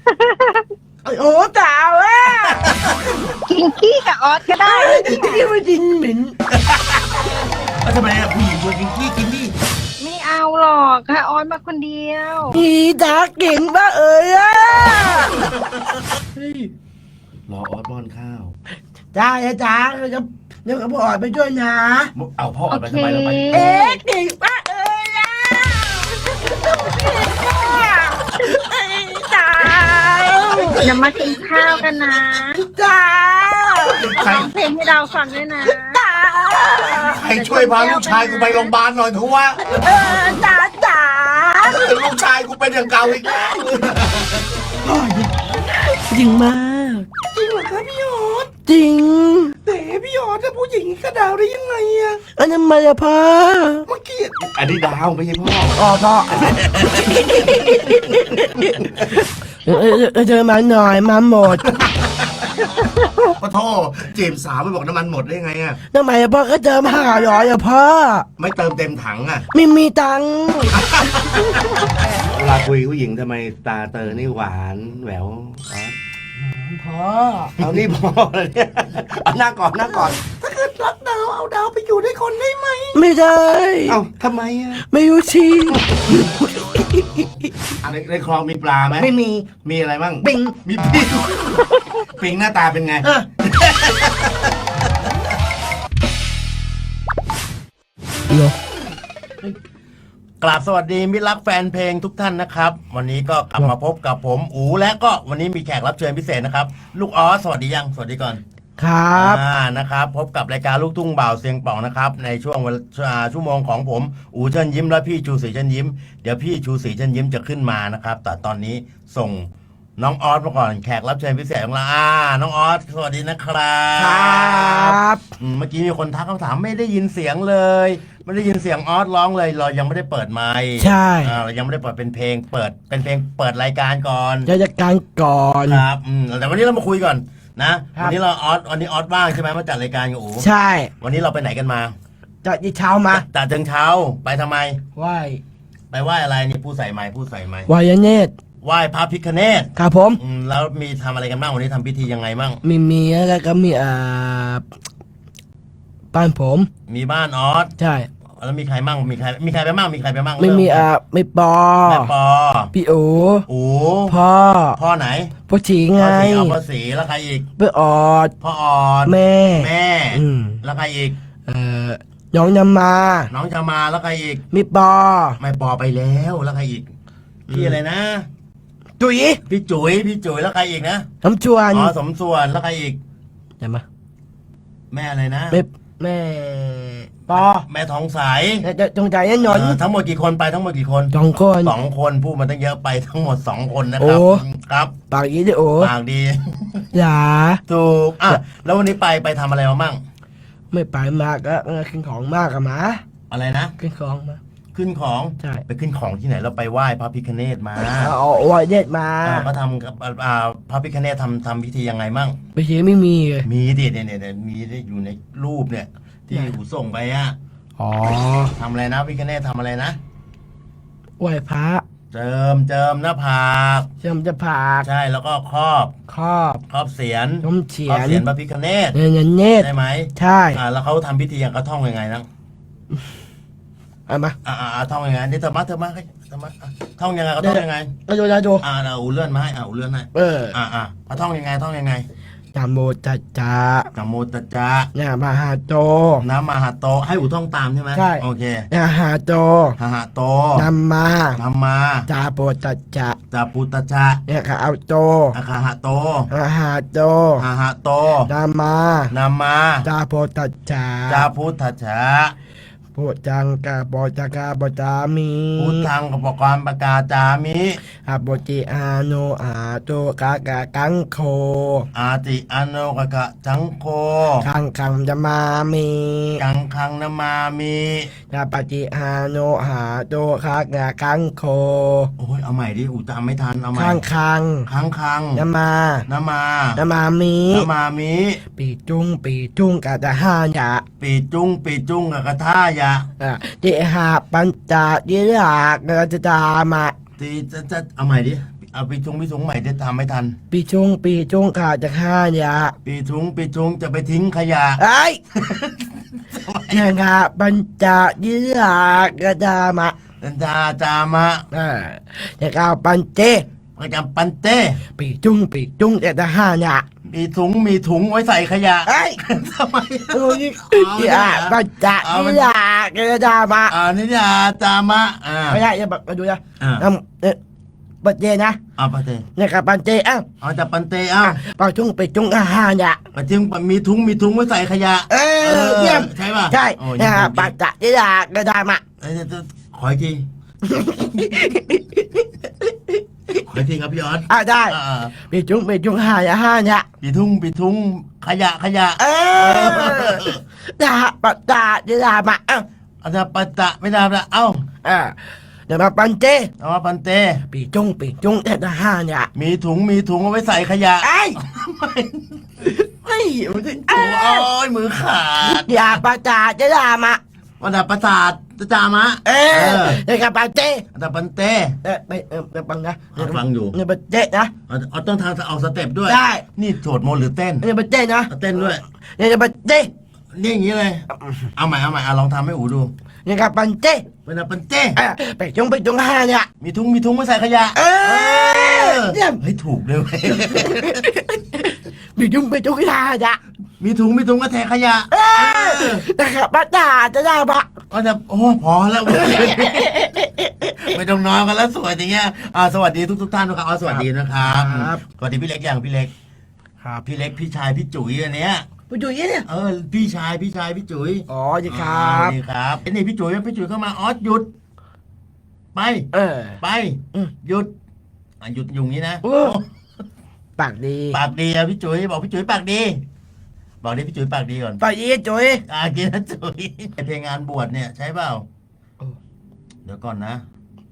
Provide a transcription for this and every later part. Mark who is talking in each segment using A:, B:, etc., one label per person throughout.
A: โอ้สาวอ่ะ
B: กินขี้กับออสก็ได้
A: ที่มันจินเหม็น
C: แล้วทำไมอะผู้หญิงควรกินขี้กินนี่
B: ไม่เอาหรอกค่ะออสมาคนเดียว
A: อีจ๋าเก่งปะเอ่ยอ่ะ
C: เฮ้ยรอออสป้อนข้าว
A: จ้าจ๋าเดี๋ยวกับพ่อไปช่วยนะ
C: เอาพ่อออกไปทำไมเราไป
A: เอ๊ะเก่งปะเอ่ยอ่ะจ๋า
B: เดี๋ยวมากินข้าวกันนะ
A: จ๋า
B: ร้องเพลงให้เราฟังด้วยนะ
A: จ๋า
C: ใครช่วยพาลูกชายกูไปโรงพยาบาลหน่อยเถอะวะ
A: จ๋า
C: ลูกชายกูเป็นอย่างเก่าอีกแล้ว
A: จริงมากจริงเหรอครับพี่ยอดจริงแต่พี่ยอดถ้าผู้หญิงกระดาวได้ยังไงอะอันนั้นมาอะพ่อเมื่อกี้
C: อันนี้ดาวไม่ใช่พ่อ
A: อ๋อพ่อเจอมาหน่อยมาหมด
C: ปะโทจีบสาวไม่บอกน้ำมันหมดได้ไงอะ
A: ทำไมอะพ่อก็เจอมาหาหรออะพ่อ
C: ไม่เติมเต็มถังอะ
A: ไม่มีตังค์
C: เวลาคุยผู้หญิงทำไมตาเตอนี่หวานแหววอ๋อ
A: พ่อ
C: เอานี่พ่อเลยเนี่ยเอาหน้าก่อนหน้าก่อน
A: ถ้าเกิดรักดาวเอาดาวไปอยู่ด้วยคนได้ไหมไม่ได้
C: เอ้าทำไมอะ
A: ไม่รู้ชี
C: ในคลองมีปลาไหม
A: ไม่มี
C: มีอะไรบ้าง
A: ปิง
C: มีปิงปิงหน้าตาเป็นไง
A: อ่ะ
C: กราบสวัสดีมิตรรักแฟนเพลงทุกท่านนะครับ วันนี้ก็กลับมาพบกับผมอูและก็วันนี้มีแขกรับเชิญพิเศษนะครับ ลูกออสสวัสดียังสวัสดีก่อน
A: ครับ
C: นะครับพบกับรายการลูกทุ่งบ่าวเสียงป่องนะครับในช่วงชั่วโมงของผมอูเชิญยิ้มและพี่ชูศรีเชิญยิ้มเดี๋ยวพี่ชูศรีเชิญยิ้มจะขึ้นมานะครับแต่ตอนนี้ส่งน้องออสมาก่อนแขกรับเชิญพิเศษของเราน้องออสสวัสดีนะครับ
A: ครับ
C: เมื่อกี้มีคนทักคำถามไม่ได้ยินเสียงเลยไม่ได้ยินเสียงออสร้องเลยเรายังไม่ได้เปิดไมค์
A: ใช่
C: เรายังไม่ได้เปิดเป็นเพลงเปิดเป็นเพลงเปิดรายการก่อน
A: จะจัดการก่อน
C: ครับแต่วันนี้เรามาคุยก่อนนะครับ วันนี้วันนี้ออสว่างใช่ไหมมาจัดรายการกับอู๋
A: ใช่
C: วันนี้เราไปไหนกันมา
A: จะยีเช้ามา
C: จัดเชิงเช้าไปทำไม
A: ไหว้
C: ไปไหว้อะไรนี่ผู้ใส่ไม้ผู้ใส่ไม้
A: ไหว้ยเนตร
C: ไหว้พระพิฆเนศ
A: ครับผม
C: แล้วมีทำอะไรกันบ้างวันนี้ทำพิธียังไงบ้าง
A: มีแล้วก็มีบ้านผม
C: มีบ้านออส
A: ใช่
C: แล้วมีใครบ้างมีใครไปบ้างมีใครไปบ้าง
A: ไม่มีไม่ปอ
C: แม่ปอ
A: พี่โอ
C: อู๋
A: พ่อ
C: พ่อไหน
A: พ่อฉีไง
C: พ่อสีเอาพ่อสีแล้วใครอีก
A: เพื่อออด
C: พ่อออด
A: แม่
C: แม่
A: อืม
C: แล้วใครอีก
A: น้องยำมา
C: น้องจะมาแล้วใครอีก
A: มีปอ
C: ไม่ปอไปแล้วแล้วใครอีกพี่อะไรนะ
A: จุ๋ย
C: พี่จุ๋ยแล้วใครอีกนะ
A: น้ำชวน
C: อ๋อสมส่วนแล้วใครอีก
A: ใช่ไหม
C: แม่อะไรนะ
A: แม่ปอ
C: แม่ทองใส
A: จะจงใจแน่นอน
C: ทั้งหมดกี่คนไปทั้งหมดกี่คน
A: สองคน
C: สองคนพูดมาตั้งเยอะไปทั้งหมด2 คนนะครับ
A: โอ้
C: ครับ
A: ปากยี่ดิโอ
C: ปากดี
A: อย่า
C: ถูกแล้ววันนี้ไปทำอะไรมามั่ง
A: ไม่ไปมากก็ขึ้นของมากอะหมา
C: อะไรนะ
A: ขึ้นของมา
C: ขึ้นของ
A: ใช่
C: ไปขึ้นของที่ไหนเราไปไหว้พระพิฆเนศมา
A: เอาไหว้เนตรมา
C: ก็ทำกับพระพิฆเนศทำพิธียังไงมั่ง
A: ไปเชีไม่มีเลย
C: มีดิเนี่ยมีได้อยู่ในรูปเนี่ย ที่
A: ไหน
C: หูส่งไป
A: อ๋อ
C: ทำอะไรนะพิฆเนศทำอะไรนะ
A: ไหว้พระ
C: เจิมหน้าผาก
A: เชื่อมจะผาก
C: ใช่แล้วก็ครอบ
A: ครอบ
C: เสียน
A: ต้มเฉี
C: คร
A: ย
C: อบ
A: น
C: เสียนพระพิฆเนศ
A: เงินเนตร
C: ได้ไหม
A: ใช่
C: แล้วเขาทำพิธียังเขาท่องยังไงนะ
A: เอามา
C: ท่องยังไงนี่เธอมาท่องยังไงเขาท่องยังไง
A: เอาดู
C: เราอูเลื่อนมาให้อูเลื่อนให้ เขาท่องยังไง
A: จามโมจัจจา
C: นะโมตัสสะ
A: เนี่ยมหาโต
C: นะมหาโตให้อูท่องตามใช่ไหม
A: ใช่
C: โอเค
A: เนี่ยหาโต
C: หหะโต
A: นำมา
C: ธรรมา
A: จาโปจัจจะ
C: จาปุตตะจะ
A: เนี่ยขาเอาโต
C: อาคาหะโต
A: หาโต
C: หหะโต
A: นำมา
C: นามา
A: จาโปจัจจา
C: จาพุทธะชะ
A: โปจังกาโปจักาโปจามี
C: พุทธังกับปกรณ์ประกาศจามิ
A: อาโปจิอาโนอาโตกากากังโค
C: อาติอโนกะกะจังโค
A: คังคังจะมามี
C: กังคังนามามิ
A: ยาปฏิอาโนหาโตคากากังโค
C: โอ้ยเอาใหม่ดิอูจำไม่ทันเอาใหม่
A: คังคัง
C: คัง
A: จะมา
C: นามา
A: จะมามี
C: นามามิ
A: ปีจุ้งกาตาหายะ
C: ปีจุ้งกับกะท่ายะ
A: เจหาปัญจยิรากจะตามา
C: ตีจะเอาใหม่ดิเอาปีทุงใหม่จะทำไม่ทัน
A: ปีชงขาดจะฆ่าอย่า
C: ปีทุงจะไปทิ้งขยะ
A: ไอ้นะครับปัญจยิรากระดามะ
C: จามะ
A: นะครับปัญเจ
C: ประจำปันเต้
A: ปีจุงแต่จะฆ่าอย่า
C: มีถุงไว้ใส่ขยะ
A: ไอ้
C: ทำไม
A: โอ้ยปัญจยิรากระดามะ
C: นี่ยาจามะ
A: ไม่ได้จะมาดูนะปัญเจนะ
C: ปันเต้
A: นะครับปัญเจ
C: จากปันเต้
A: ปัญจุงฆ่าอย่า
C: ปันจึงมีถุงไว้ใส่ขยะ
A: เยี่ยม
C: ใช่ป่ะ
A: ใช่นะครับปัญจยิรากระดามะ
C: ขออีกทีครับพี่ออส
A: ได้ปีจุงฆ่าอย่า
C: ปีทุงขยะ
A: นะฮะปัจจายิรามะ
C: อาจจะปัจจะไม่ได้ละ
A: เดี๋ยวมาปันเจ
C: มาปันเต
A: ปีจุงแต่ละห้าเนี่ย
C: มีถุงเอาไว้ใส่ขยะ
A: ไม่
C: โอ้ยมือขาด
A: อย่าปัจจายิรามะ
C: วันดับประสาทจามะ
A: เดี๋ยวกับปันเจ
C: แต่ปันเต
A: ไม่ฟังนะ
C: ฟังอยู่
A: เนี่ยปันเจนะ
C: ต้องทางเอาสเต็ปด้วย
A: ได้
C: นี่โจทย์โมหรือเต้น
A: เนี่ยปันเจนะ
C: เต้นด้วย
A: เนี่ยปันเจ
C: นี่อย่างนี้เลยเอาใหม่ลองทำให้อูดู
A: เนี่ยกับปันเจ
C: วันดับปันเต
A: ไปจุงห้าเนี่ย
C: มีถุงไม่ใส่ขยะเฮ้ยถูกเลย
A: ปีจุงห้าเนี่ย
C: มีถุงก็แทนขยะ
A: นะครับปัจจายิรามะ
C: ก็จะโอ้พอแล้วไม่ต้องนอนกันแล้วสวยอย่างเงี้ยสวัสดีทุกท่านนะครับสวัสดีนะครับสวัสดีพี่เล็กพี่เล็ก
A: ครับ
C: พี่เล็กพี่ชายพี่จุ๋ยอันเนี้ย
A: พี่จุ๋ยเนี่ย
C: พี่ชายพี่จุ๋ย
A: ดีครับ
C: ดีครับนี่พี่จุ๋ยเข้ามาออสหยุดไปไปหยุดอยู่งี้นะ
A: ปากดี
C: พี่จุ๋ยบอกพี่จุ๋ยปากดีบอกดิพี่จุ๋ยปากดีก่อน
A: ปากดีจุ๋ย
C: กินนะจุ๋ยเพลงงานบวชเนี่ยใช่เปล่าเดี๋ยวก่อนนะ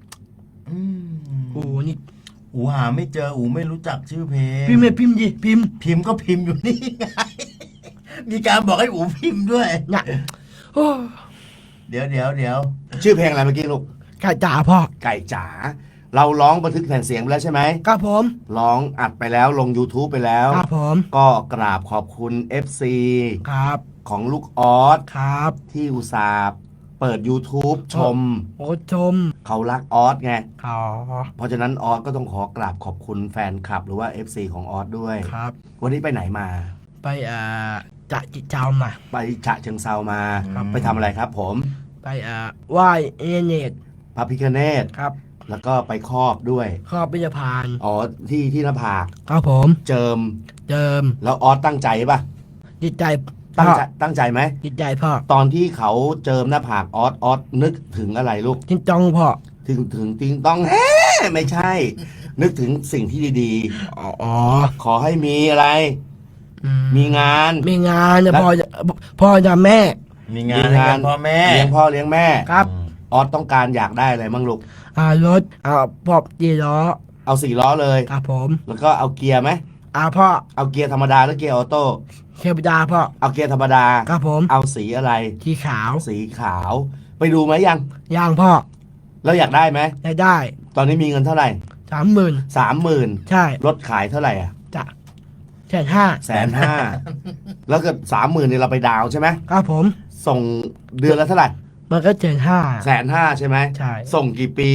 A: นี่
C: หาไม่เจอไม่รู้จักชื่อเพลง
A: พิมพ์ดิพิ
C: มพ์ก็พิมพ์อยู่นี่ไงมีการบอกให้พิมพ์ด้วย
A: เนี่ย
C: เดี๋ยวชื่อเพลงอะไรเมื่อกี้ลูก
A: ไก่จ๋าพ่อ
C: ไก่จ๋าเราร้องบันทึกแผ่นเสียงไปแล้วใช่ไหม
A: ครับผม
C: ร้องอัดไปแล้วลง YouTube ไปแล้ว
A: ครับผม
C: ก็กราบขอบคุณ FC
A: ครับ
C: ของลูกออส
A: ครับ
C: ที่อุตส่าห์เปิด YouTube ชมเขารักออสไงเพราะฉะนั้นออสก็ต้องขอกราบขอบคุณแฟนคลับหรือว่า FC ของออสด้วย
A: ครับ
C: วันนี้ไปไหนมา
A: ไปจะจิเจ้ามา
C: ไปฉะเชิงเซามาไปทำอะไรครับผม
A: ไปไหว้เนต
C: พระพิฆเนศ
A: ครับ
C: แล้วก็ไปครอบด้วย
A: ครอบพิจพาน
C: ที่หน้าผาก
A: ครับผม
C: เจิมแล้วออสตั้งใจป่ะ
A: จิตใจ
C: ตั้งใจไหม
A: จิตใจพ่อ
C: ตอนที่เขาเจิมหน้าผากออสนึกถึงอะไรลูก
A: ติงตองพ่อ
C: ถึงติงตองไม่ใช่ นึกถึงสิ่งที่ดีๆขอให้มีอะไรมีงาน
A: จะพ่อจะแม่
C: มีงานพ่อแม่เลี้ยงพ่อเลี้ยงแม่
A: ครับ
C: ออสต้องการอยากได้อะไรมั่งลูก
A: รถพอ4 ล้อ
C: เอา4 ล้อเลย
A: ครับผม
C: แล้วก็เอาเกียร์ไหม
A: พ่อ
C: เอาเกียร์ธรรมดาหรือเกียร์ออโต้
A: เกียร์ธรรมดาพ่อ
C: เอาเกียร์ธรรมดา
A: ครับผม
C: เอาสีอะไร
A: สีขาว
C: ไปดูไหม
A: ยังพ่อ
C: แล้วอยากได้ไหม
A: ได้
C: ตอนนี้มีเงินเท่าไหร่
A: 30,000ใช่
C: รถขายเท่าไหร่
A: จะ150,000
C: 150,000แล้วก็30,000นี่เราไปดาวใช่ไหม
A: ครับผม
C: ส่งเดือนละเท่าไหร่
A: มันก็150,000
C: ใช่ไหม
A: ใช่
C: ส่งกี่ปี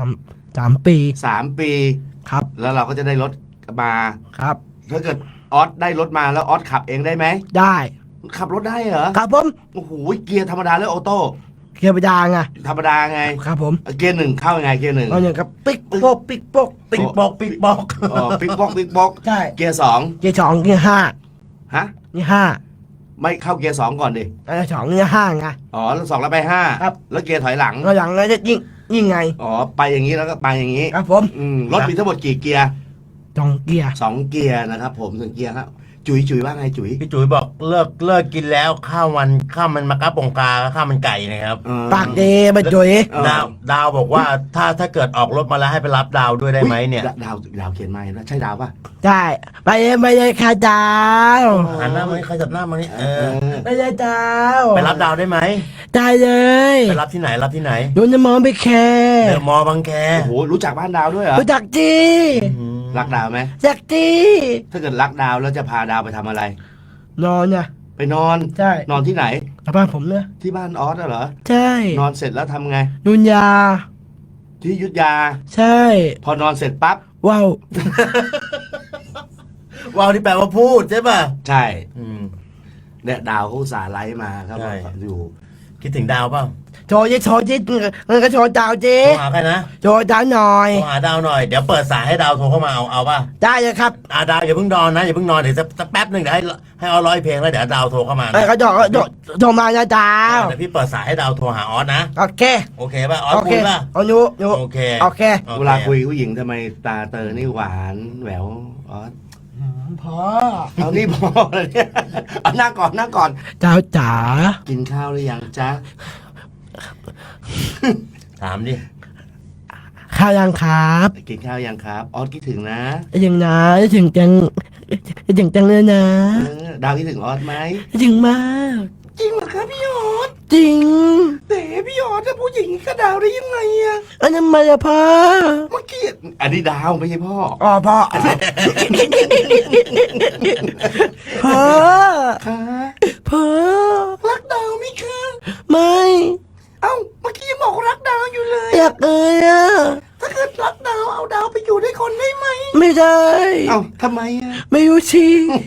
A: 3 ปี
C: 3 ปี
A: ครับ
C: แล้วเราก็จะได้รถมา
A: ครับ
C: ถ้าเกิดออสได้รถมาแล้วออสขับเองได้ไหม
A: ได้
C: ขับรถได้เหรอ
A: ครับผม
C: โอ้โหเกียร์ธรรมดาหรือออโต้
A: เกียร์ธรรมดาไง
C: ธรรมดาไง
A: ครับผม
C: เกียร์1เข้ายังไงเกียร์1
A: อย่างกับปิ๊กโป๊กปิ๊กโป๊ก
C: ปิ๊กโป๊กปิ๊กโป๊ก
A: ใช่
C: เกียร์2เกียร์
A: 5ฮะนี่5
C: ไม่เข้าเกียร์2ก่อนดิ
A: 2นี่5ไง
C: แล้ว2แล้วไป5
A: ครับ
C: แล้วเกียร์ถอยหลัง
A: แล้วจะยิ่งไง
C: ไปอย่างนี้แล้วก็ไปอย่างนี้
A: ครับผม
C: รถมีทั้งหมดกี่เกียร์
A: 2 เกียร์
C: 2 เกียร์นะครับผม1 เกียร์ครับ
A: จุ๋ยว่าไงจุ๋ย
C: พี่จุ๋ยบอกเลิกกินแล้วข้าวมันมะกะปงกาข้าวมันไก่นะครับ
A: เออ
D: ปากดีมาจุ๋ย
A: เออ
C: ดาวบอกว่าถ้าเกิดออกรถมาแล้วให้ไปรับดาวด้วยได้ไหมเนี่ย
A: ดาวเขียนมาแล้วใช่ดาวป่ะ
D: ได้ไปเลยค่ะดาว
C: หันหน้ามาใครจับหน้ามานี่
D: ไปเลยดาว
C: ไปรับดาวได้ไหม
D: ได้เลย
C: ไปรับที่ไหนรับที่ไหน
D: ดูน้ำมองไปแค่
C: เดอะมอลล์บางแค
A: โอ้โหรู้จักบ้านดาวด้วยเหรอ
D: รู้จักจี
A: รักดาวไหม
D: จักจี
A: ถ้าเกิดรักดาวแล้วจะพาดาวไปทำอะไร
D: นอนน่ะ
A: ไปนอน
D: ใช่
A: นอนที่ไหน
D: กลับบ้านผมเนี่ย
A: ที่บ้านออสเหรอ
D: ใช่
A: นอนเสร็จแล้วทำไง
D: นุนยา
A: ที่อยุทธยา
D: ใช่
A: พอนอนเสร็จปั๊บ
D: ว้าว
C: ว้าวที่แปลว่าพูดใช่ป่ะ
A: ใช่
C: อืม
A: เนี่ยดาวเขาอุตสาห์ไลฟ์มาครับ
C: ใช่
A: อยู่
C: คิดถึงดาวเปล่า
D: โชว์ยิเงินก็โชว์ดาวจี
C: โทรหาใครนะ
D: โชว์ดาวหน่อย
C: โทรหาดาวหน่อยเดี๋ยวเปิดสายให้ดาวโทรเข้ามาเอาป่ะ
D: ได้เลยครับ
C: ดาวอย่าเพิ่งนอนนะอย่าเพิ่งนอนเดี๋ยวสักแป๊บหนึ่งเดี๋ยวให้เอาร้อยเพลงแล้วเดี๋ยวดาวโทรเข้ามานะ
D: ก็โทรมานะดาว
C: เดี๋ยวพี่เปิดสายให้ดาวโทรหาออสนะ
D: โอเค
C: โอเคป่ะออส
D: โอ
C: คุ
D: เค
C: ยป่ะ
D: เอาหนู
C: โอเค
D: โอเค
A: เวลาคุยผู้หญิงทำไมตาเตอนี่หวานแหววออส
D: พอ
A: เอานี่พอเลยเนี่ยเอานั่งก่อนนั่งก่อน
D: ดาวจ๋า
A: กินข้าวหรือยังจ๊ะ
C: ถามดิ
D: ข้าวยังครับ
A: กินข้าวยังครับออสคิดถึงนะ
D: ยังนะถึงจังเลยนะ
A: ดาวคิดถึงออสไหม
D: ถึงมาก
A: จริงเหรอครับพี่ออส
D: จริง
A: แต่พี่ออสจะผู้หญิงกับดาวได้ยังไงอะ
D: อันนั้นมาละพ่อ
A: เมื่อกี้อันนี้ดาวไม่ใช่พ่อ
D: อ๋อพ่อพ่อ
A: ค่ะ
D: พ่อ
A: รักดาวไหมคะ
D: ไม่
A: เอ้าเมื่อกี้ยังบอกรักดาวอยู่เลย
D: อยากเลยอ่ะ
A: ถ้าเกิดรักดาวเอาดาวไปอยู่ด้วยคนได้ไหม
D: ไม่ได้
A: เอ้าทำไมอะ
D: ไม่รู้ชี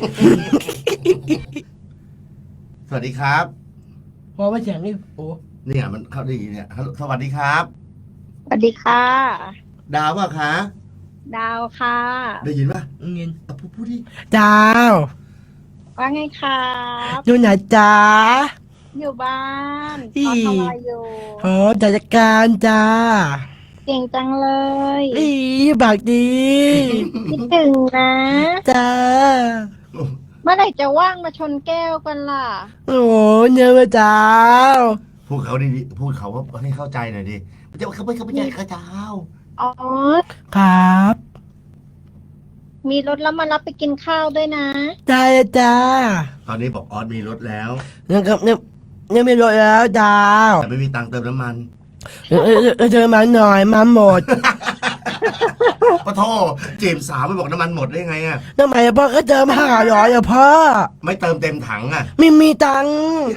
A: สวัสดีครับ
D: พอมาเสียงนี่โอ้
A: เนี่ยมันเข้าได้ยินเนี่ยฮัลโหลสวัสดีครับ
B: สวัสดีค่ะ
A: ดาวป่ะคะ
B: ดาวค่ะ
A: ได้ยินป่ะ
D: เงิน
A: เอาพูดดิ
D: ดาว
B: ว่าไงครับ
D: อยู่ไหนจ้า
B: อยู่บ้าน
D: อี
B: ตอนทำอะไรอยู่
D: โอ้จัดการจ้า
B: เก่งจังเลย
D: อีบากดี
B: คิดถึงนะ
D: จ้า
B: เมื่อไหร่จะว่างมาชนแก้วกันล่ะ
D: โอ้เนื้อจ้า
A: พูดเขาดีๆพูดเขาให้เข้าใจหน่อยดิมันจะเขาไม่ใช่ข้าเจ้า
B: อ๋อ
D: ครับ
B: มีรถแล้วมารับไปกินข้าวด้วยนะ
D: ได้จ้า
A: ตอนนี้บอกออสมีรถแล้ว
D: เนี่ยไม่รถแล้วดาว
A: แต่ไม่มีตังค์เติมน้ำมัน
D: เจอมาหน่อยมาหมด
A: ปะโทจีบสาวไม่บอกน้ำมันหมดได้ไงอ่ะ
D: ทำไมพ่อก็เจอมา500อะพ่อ
A: ไม่เติมเต็มถังอ่ะ
D: ไม่มีตังค์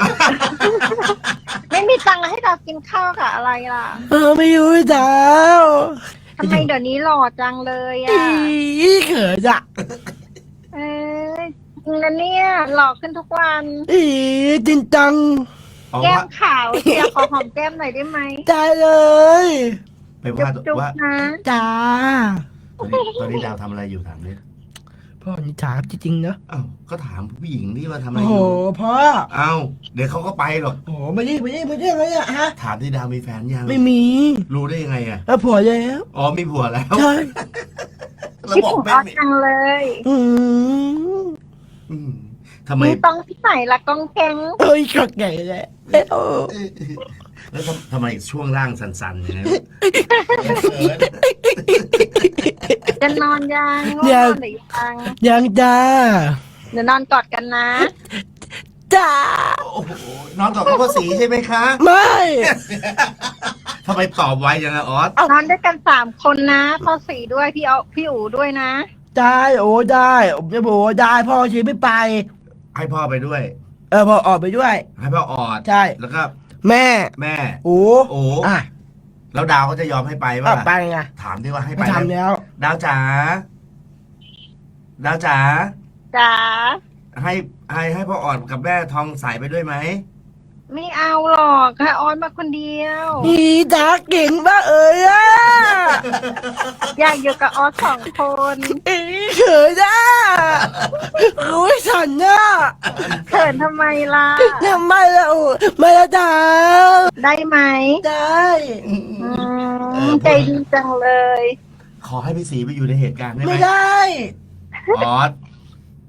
B: ไม่มีตังค์ให้เรากินข้าวกับอะไรล่ะ
D: ไม่รู้ดาว
B: ทำไมเดี๋ยวนี้หล่อจังเลย
D: อี
B: อ่ะ
D: เขินอะ
B: เอ้ยจริงนะเนี่ยหล่อขึ้นทุกวัน
D: อีจริงจัง
A: เอา
B: แก้
A: ว่าม
B: ขาวเชียร์ขอหอมแก้มหน่อยได้ไหม
D: ได้เลย
A: ไป
B: จุ๊
A: ว่า
B: บจุ๊บ
A: ว่า
B: นะ
D: จ้า
A: ตอนนี้ดาวทำอะไรอยู่ถามดิ
D: พ่อนี่ถามจริงๆเนอะ
A: อ้าวก็ถามผู้หญิงนี่ว่าทำอะไร
D: โอ้
A: อ
D: โห
A: ยู่
D: พ่อ
A: เอ้าเดี๋ยวเขาก็ไปหรอก
D: โอ้โหไม่ได้อะไรอะฮะ
A: ถามที่ดาวมีแฟนยัง
D: ไม่มี
A: รู้ได้ยังไงอ่ะ
D: แล้วผัวแล้ว
A: อ๋อมีผัวแล้ว
D: ใช่
A: แล้ว
B: คิด
A: บอก
B: ถึง
A: ไม่
B: ออส
A: มี
B: จังเลย
D: อืม
A: อืมทำไม
B: มีต้องที่ไหนละกองแกง
D: เอ้ยก็ใหญ่เลยเอ้ยโอ้
A: แล้วทำไมช่วงล่างสั่นๆอย่างนี้
B: จะนอนยังง่วงนอนหรือยัง
D: ยังจ้า
B: เดี๋ยวนอนกอดกันนะ
D: จ้า
A: โอ้โหน้องตอบข้อสีใช่ไหมคะ
D: ไม่
A: ทำไมตอบไวจังอะออส
B: นอนด้วยกัน3 คนนะพ่อสีด้วยพี่อู๋ด้วยนะ
D: ได้โอ้ได้ผมจะบอกว่าได้พ่อชีไม่ไป
A: ให้พ่อไปด้วย
D: พ่อออกไปด้วย
A: ให้พ่อออด
D: ใช่
A: แล้วก็
D: แม่
A: แม่
D: โอ้
A: โอ้
D: อ่ะ
A: แล้วดาวเขาจะยอมให้ไปป่ะ
D: ไปไง
A: ถามดิว่าให้
D: ไม่
A: ไปไหม
D: ทำแล้ว
A: ดาวจ๋าดาวจ๋า
B: จ๋า
A: ให้พ่อออดกับแม่ทองใสไปด้วยไหม
B: ไม่เอาหรอกค่ะออนมาคนเดียว
D: นี่จ้าเก่งมากอ่ะ
B: อยากอยู่กับออส2 คน
D: อีเขินอ่ะรู้ฉันอ่ะ
B: เขินทำไมล่ะ
D: ทำไมล่ะโอ้ไม่ละดาว
B: ได้ไหม
D: ได้
B: ใจดีจังเลย
A: ขอให้พี่สีไปอยู่ในเหตุการณ์ได้ไหม
D: ไม่ได้
A: ออส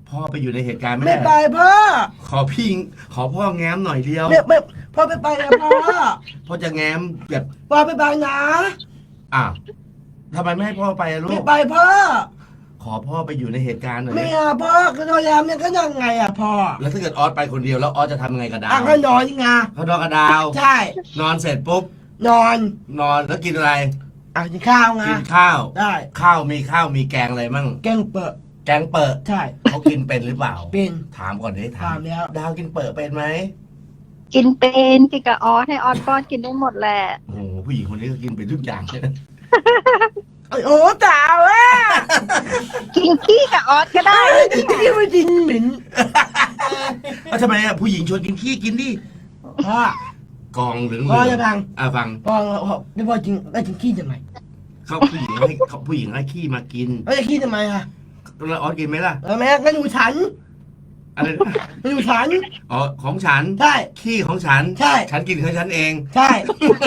C: พ่อไปอยู่ในเหตุการณ์ไม่
A: ไม่
C: ได้
A: ไปพ่อ
C: ขอพ่อแง้มหน่อยเดียว
A: ไม่พ่อไม่ไปนะพ่อ
C: พ่อจะแง้มแบบ
A: พ่อไม่ไปนะ
C: อ้าวทำไมไม่ให้พ่อไปอะลู
A: ไม่
C: ก
A: ไปพ่อ
C: ขอพ่อไปอยู่ในเหตุการณ์หน่อย
A: ไม่
C: ดิ
A: เอาพ่อก็นอนยามเนี่ยก็ยังไงอ่ะพ่อ
C: แล้วถ้าเกิดออสไปคนเดียวแล้วออสจะทำยังไงกับดาว
A: อ่ะก็นอนไง
C: เขานอนกับดาว
A: ใช่
C: นอนเสร็จปุ๊บ
A: นอน
C: นอนแล้วกินอะไร
A: อ่ะกินข้าวไง
C: กินข้าว
A: ได้
C: ข้าวมีแกงอะไรมั่ง
A: แกงเปิด
C: แกงเปิด
A: ใช่
C: เขากินเป็นหรือเปล่า
A: เป็น
C: ถามก่อนดิ
A: ถามแล้ว
C: ดาวกินเปิดเป็นไหม
B: กินเป็นกินกับออสให้ออสป้อนกินได้หมดแหละ
C: โอ้โหผู้หญิงคนนี้ก็กินเป็นทุกอย่าง
A: โอ้ตาวอ่ะ
B: กินขี้กับออสก็ได้
A: ที่ไม่จริงเหม็น
C: แล้วทำไมอ่ะผู้หญิงชวนกินขี้กินดิ
A: พ่อก
C: องเหลือง
A: พ่อจะฟัง
C: ฟัง
A: พ่อไม่พ่อจริงไม่จริงขี้ทำไม
C: เขาผู้หญิงให้ขี้มากิน
A: ไม่จะขี้ทำไมอ่ะ
C: แล้วออสกินไหมล่ะ
A: แม่ก็อยู่ฉัน
C: อะไรนะ
A: ก็อยู่ฉัน
C: อ๋อของฉัน
A: ใช่
C: ขี้ของฉัน
A: ใช่
C: ฉันกินของฉันเอง
A: ใช่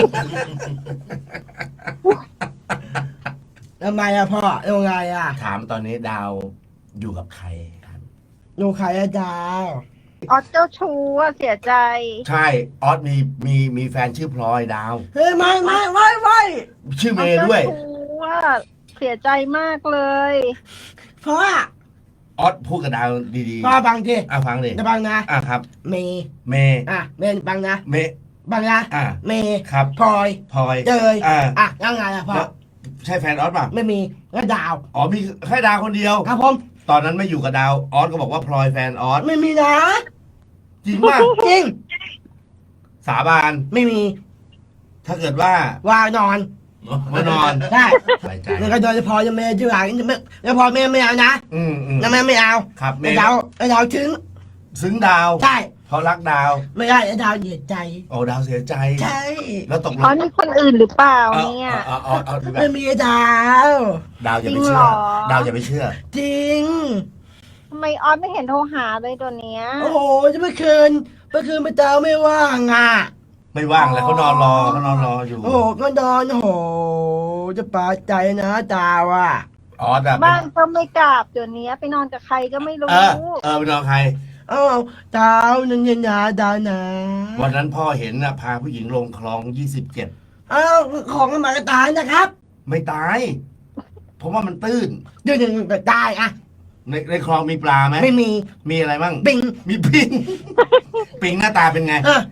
A: ทำไมอ่ะพ่อยังไงอ่ะ
C: ถามตอนนี้ดาวอยู่กับใคร
A: อยู่ใครอาจารย์
B: ออสเจ้าชู้อะเสียใจ
C: ใช่ออสมีแฟนชื่อพลอยดาว
A: เฮ้ยไม่
C: ชื่อเมย์ด้วย
B: ออสเจ้าชู้อะเสียใจมากเลย
A: พ่อ
C: ออสพูดกับดาวดี
A: พ่อบังที
C: ๆฟังดิ
A: จะบังนะ
C: ครับ
A: เมย์
C: เมย์
A: เมย์บังนะ
C: เมย์
A: บังนะ เมย์
C: ครับ
A: พลอย
C: พลอย
A: เจย
C: อ่า
A: ยังไงอ่ะพ่อ
C: แล้วใช่แฟนออสป่ะ
A: ไม่มีแล้วดาว
C: อ๋อมีแค่ดาวคนเดียว
A: ครับผม
C: ตอนนั้นไม่อยู่กับดาวออสก็บอกว่าพลอยแฟนออส
A: ไม่มีนะ
C: จริงป่ะ
A: จริง
C: สาบาน
A: ไม่มี
C: ถ้าเกิดว่า
A: ว่านอน
C: มานอน
A: ได้
C: สบายใจ
A: แล้วก็โดยเฉพาะยังเมย์ชื่ออะไรแล้วพอเมย์ไม่เอานะ
C: อืม
A: แล้วแม่ไม่เอา
C: ครับเม
A: แล้ว
C: ย์
A: ดาวถึง
C: ซึ้งดาว
A: ใช่
C: เพราะรักดาว
A: ไม่ได้แล้วดาวเหยียดใจ
C: โอ้ดาวเสียใจ
A: ใช่
C: แล้วตกล
B: ออง สมีคนอื่นหรือเปล่าเนี่ย
C: เอาดูแบ
A: ไม่
C: บ
A: มีดาว
C: ดาวอย่าไป
B: จริง
C: เชื่
B: เหร
C: อ
B: อ
C: ดาวอย่าไปเชื่อ
A: จริง
B: ทำไมออสไม่เห็นโทรหาเลยตัวเนี้ย
A: โอ้โหจะเมื่อคืนไปดาวไม่ว่างอ่ะ
C: ไม่ว่างแล้วเขานอนรออยู่
A: โอ้โหก็นอนโอ้โหจะปาใจนะดาวอ่ะ
C: ออสอะ
B: บ้านก็ไม่กลับตัวเนี้ยไปนอนกับใครก็ไม่รู้
C: ไปนอนใคร
A: เอ้าดาวนันยนาดาวนะ
C: วันนั้นพ่อเห็นนะพาผู้หญิงลงคลอง 27
A: เอ้าของมันมากระตายนะครับ
C: ไม่ตาย เพราะว่ามันตื้น
A: เดี๋ยวๆก็ตายอ่ะ
C: ในคลองมีปลาไหม
A: ไม่มี
C: มีอะไรบ้าง
A: ปิง
C: มีปิง ปิงหน้าตาเป็นไง
A: อ่ะ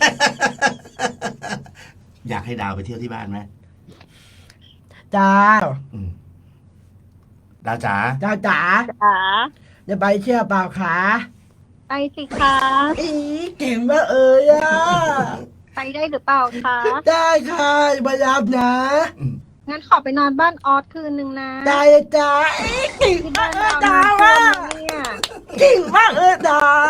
C: อยากให้ดาวไปเที่ยวที่บ้านไหม
A: ดาว
C: อืมดาวจ๋า
A: ดาวจ๋า
B: จ๋า
A: จะไปเที่ยวเปล่าคะ
B: ไปสิคะ
A: อีเก่งมากเอ้ยอ่ะ
B: ไปได้หรือเปล่าคะ
A: ได้ค่ะมารับนะ
B: งั้นขอไปนอนบ้านออสคืนนึงนะ
A: ได้เลยจ้าอีเก่ง
B: ที่
A: มา
B: บ้าก น
A: เอ้ย
B: ดาว
A: ดาว
B: น้ำท่ว
A: อ่ะ
B: มแล้วเนี่ย
A: เก่งมากเอ้ยดาว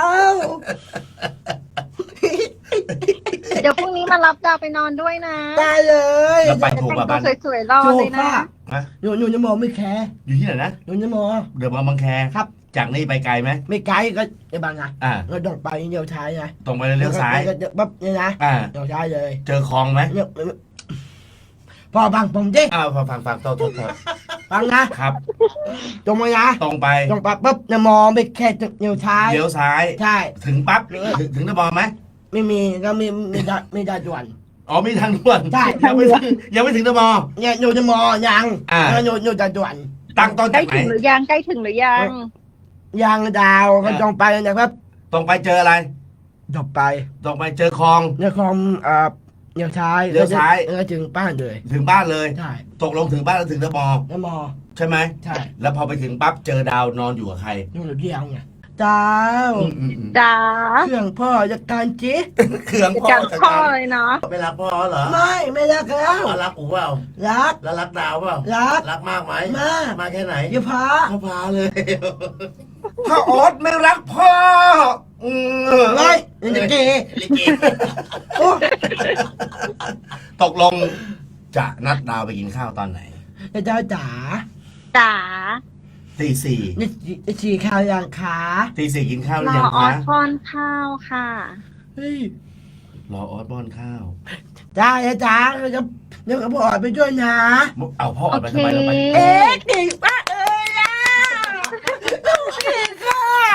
B: เดี๋ยวพรุ่งนี้มารับดาวไปนอนด้วยนะ
A: ได้เลย
C: แล้วไปถูก
B: แต่
C: ป่ะ
B: ง
C: บ้าน
B: ตัวสวยๆรอ
A: ถู
B: เล
A: ก
B: ยนะ
A: ป่ะ
C: ฮะ
A: หนูจะมองไม่แคร์
C: อยู่ที่ไหนนะ
A: หนูจะมอง
C: เดี๋ยวมาบางแค
A: ครับ
C: จากนี่ไปไกลไหม
A: ไม่ไกลก็ไอ้บางไง
C: อ่า
A: ก็ต้องไปเดียวท้ายไง
C: ตรงไปเลี้ยวซ้าย
A: ก็ปั๊บเนี่ยนะ
C: อ่า
A: เดียวท้ายเลย
C: เจอคลองไหม
A: เนี่ยพอบังผมดิ
C: ฟังโทษ
A: ฟังนะครับ ตรงมานะ
C: ตรงไป
A: ตรงปั๊บปุ๊บเนี่ยมองไปแค่เดียวท้าย
C: เลี้ยวซ้าย
A: ใช่
C: ถึงปั๊บถึงตะบอไหม
A: ไม่มีก็ไม่ได้ด่วน
C: อ๋อมีทางด่วน
A: ใช่
C: ยังไม่ถึงตะบอ
A: เนี่ยหนูจะมองยัง
C: อ่า
A: แล้วหนูจะด่วน
C: ตั้งต้น
B: ใกล้
C: จากไหน
B: ถึงหรือยังใกล้ถึงหรือยัง
A: ยังดาวก็ต้องไปนะครับ
C: ตรงไปเจออะไร
A: ต่อไป
C: ตรงไปเจอคลอง
A: เนี่ยคอมเลี้ยวซ้าย
C: เลี้ยวซ้าย
A: แล้วถึงบ้านเลย
C: ถึงบ้านเลย
A: ใช่
C: ตกลงถึงบ้านแล้วถึงตะบอ
A: แล้วมอง
C: ใช่ไหม
A: ใช่
C: แล้วพอไปถึงปั๊บเจอดาวนอนอยู่กับใคร
A: นู่นเดียวไงดาว
B: จ๋า
A: เครื่องพ่อจัดการจิ
C: เครื่องพ่อ
B: จังพ่อเลยเนาะ
C: ไม่รักพ่อเหรอ
A: ไม่รักแล้ว
C: รักอูเปล่า
A: รัก
C: แล้วรักดาวเปล่า
A: รัก
C: รักมากไหม
A: มาก
C: มากแค่ไหน
A: อย่าพา
C: พ่อพาเลย ถ้าออสไม่รักพ่อ
A: ไม่นี่จะเกย์
C: ลิเก
A: โอ้
C: ตกลงจะนัดดาวไปกินข้าวตอนไหน
A: ดาวจ๋า
B: จ๋า
C: ตีสี่
A: นี่ฉี่ข้าวยังขา
C: ตีสี่กินข้าวห
B: ร
C: รือ
B: อ
C: ยัง
B: ออ
C: คะ
B: สป้อนข้าวค่ะ
A: เฮ้ย
C: รอออสป้อนข้าว
A: ได้จ๋าเดี๋ยวก็บอกไปด้วยนะ
C: เอาพ่อออกไปทำไมเราไป
B: โอเค
A: เอ๊ะเก่งมากเลยอ่ะลูกเก่งค่ะ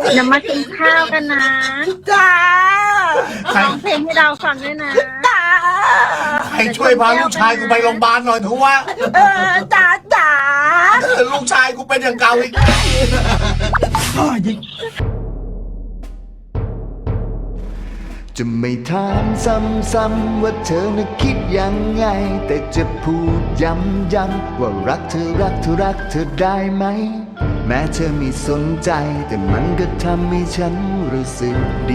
B: เดี๋ยวมากินข้าวกันนะ
D: จ้า
C: ใคร
B: ร้องเพลงให้เราฟังด้วยนะ
D: จ้า
C: ใครช่วยพาลูกชายกูไปโรงพยาบาลหน่อยเถอะวะ
D: จ้าจ้า
C: ลูกชายกูเป็นอย่างเก่าอีก
E: จะไม่ถามซ้ำๆว่าเธอน่ะคิดยังไง แต่จะพูดย้ำๆว่ารักเธอรักเธอรักเธอได้ไหม แม้เธอไม่สนใจ แต่มันก็ทำให้ฉันรู้สึกดี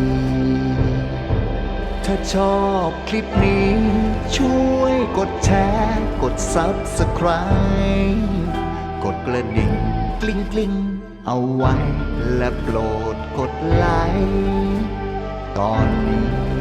E: ถ้าชอบคลิปนี้ ช่วยกดแชร์ กด Subscribe กดกระดิ่งกลิ้งๆเอาไว้ และโปรดกดไลค์ตอนนี้